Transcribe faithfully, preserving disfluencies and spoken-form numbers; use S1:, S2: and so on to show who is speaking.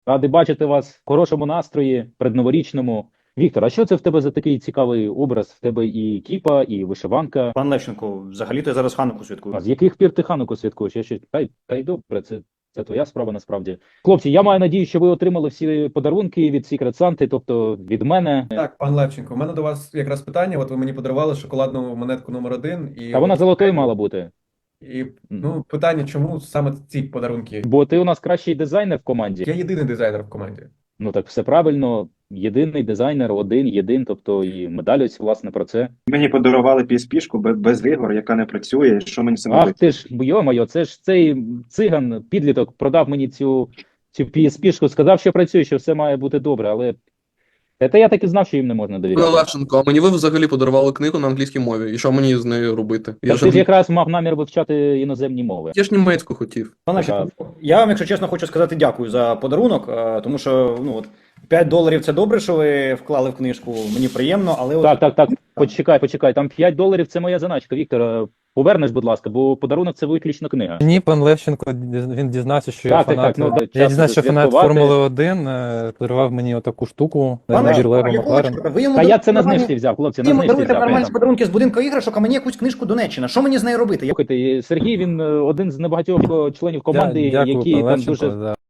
S1: Радий бачити вас в хорошому настрої, предноворічному. Віктор, а що це в тебе за такий цікавий образ? В тебе і кіпа, і вишиванка.
S2: Пан Левченко, взагалі-то я зараз Хануку святкую.
S1: А з яких пір ти Хануку святкуєш? Я ще та й та й добре, це, це твоя справа насправді. Хлопці, я маю надію, що ви отримали всі подарунки від Secret Santa, тобто від мене.
S3: Так, пан Левченко, у мене до вас якраз питання. От ви мені подарували шоколадну монетку номер один, і
S1: Та вона
S3: от-
S1: золотою мала бути.
S3: І ну питання, чому саме ці подарунки?
S1: Бо ти у нас кращий дизайнер в команді.
S3: Я єдиний дизайнер в команді.
S1: Ну так все правильно. Єдиний дизайнер, один, єдин, тобто і медаль ось власне про це.
S4: Мені подарували пі ес пі-шку без, без ігор, яка не працює. Що мені з цим
S1: Ах
S4: робити?
S1: ти ж, йо-моє, це ж цей циган, підліток, продав мені цю, цю пі ес пі-шку, сказав, що працює, що все має бути добре, але це я так і знав, що їм не можна
S5: Пане
S1: довіряти.
S5: Левченко, а мені ви взагалі подарували книгу на англійській мові. І що мені з нею робити? Я
S1: Так
S5: ж,
S1: ти ж
S5: англі-
S1: якраз мав намір вивчати іноземні мови.
S5: я ж німецьку хотів.
S2: Пан Левченко, я вам, якщо чесно, хочу сказати дякую за подарунок, е, тому що ну от п'ять доларів це добре, що ви вклали в книжку. Мені приємно, але от
S1: Так, так, так, почекай, почекай, там п'ять доларів це моя заначка, Віктор, е, повернеш, будь ласка, бо подарунок це виключно книга.
S6: Ні, пан Левченко, діз- він дізнався, що я
S1: Так, так,
S6: фанат.
S1: так, ну, да,
S6: Я
S1: час
S6: дізнався, що фанат
S1: святкувати.
S6: Формули один, е, подарував мені отаку штуку,
S2: Пан
S6: набір
S2: Левченко,
S6: Лего
S2: а якого
S6: Макларен.
S2: чорта? Ви йому
S1: Та я це на
S2: дарували-
S1: знижці взяв, хлопці,
S2: ви
S1: на
S2: йому
S1: знижці
S2: даруєте
S1: взяв.
S2: нормальні
S1: я-
S2: подарунки з будинку іграшок, а мені якусь книжку Донеччина. Що мені з нею робити?
S1: Слухайте, Сергій, він е, один з небагатьох е, членів команди,
S6: Дя- Дякую,
S1: які
S6: пан
S1: там
S6: Левченко,
S1: дуже
S6: за